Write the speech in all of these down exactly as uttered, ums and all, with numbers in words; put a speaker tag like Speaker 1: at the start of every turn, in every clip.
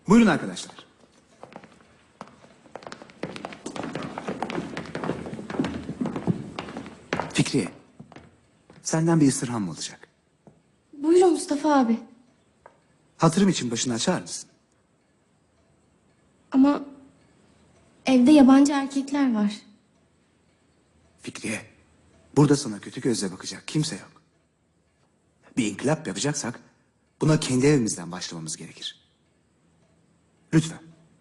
Speaker 1: Buyurun arkadaşlar. Fikriye, senden bir istirham olacak.
Speaker 2: Buyurun Mustafa abi.
Speaker 1: Hatırım için başını açar mısın?
Speaker 2: Ama evde yabancı erkekler var.
Speaker 1: Fikriye, burada sana kötü gözle bakacak kimse yok. Bir inkılap yapacaksak buna kendi evimizden başlamamız gerekir. Lütfen.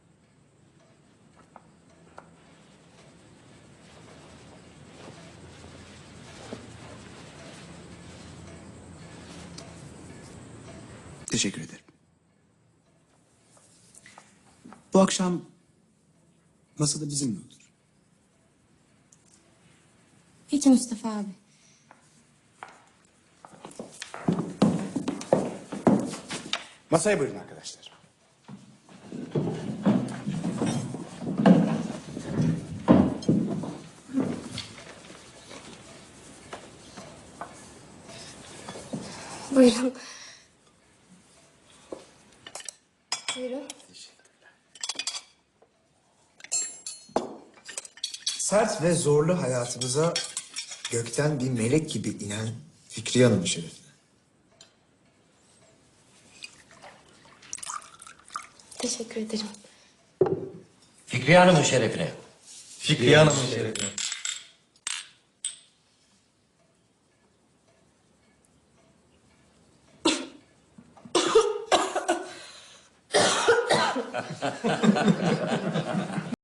Speaker 1: Teşekkür ederim. Bu akşam masada bizimle otur.
Speaker 2: Peki Mustafa abi.
Speaker 1: Masaya buyurun arkadaşlar.
Speaker 2: Buyurun. Buyurun.
Speaker 3: Sert ve zorlu hayatımıza gökten bir melek gibi inen Fikriye Hanım'ın şerefine.
Speaker 2: Teşekkür ederim.
Speaker 4: Fikriye Hanım'ın şerefine.
Speaker 3: Fikriye Hanım'ın şerefine.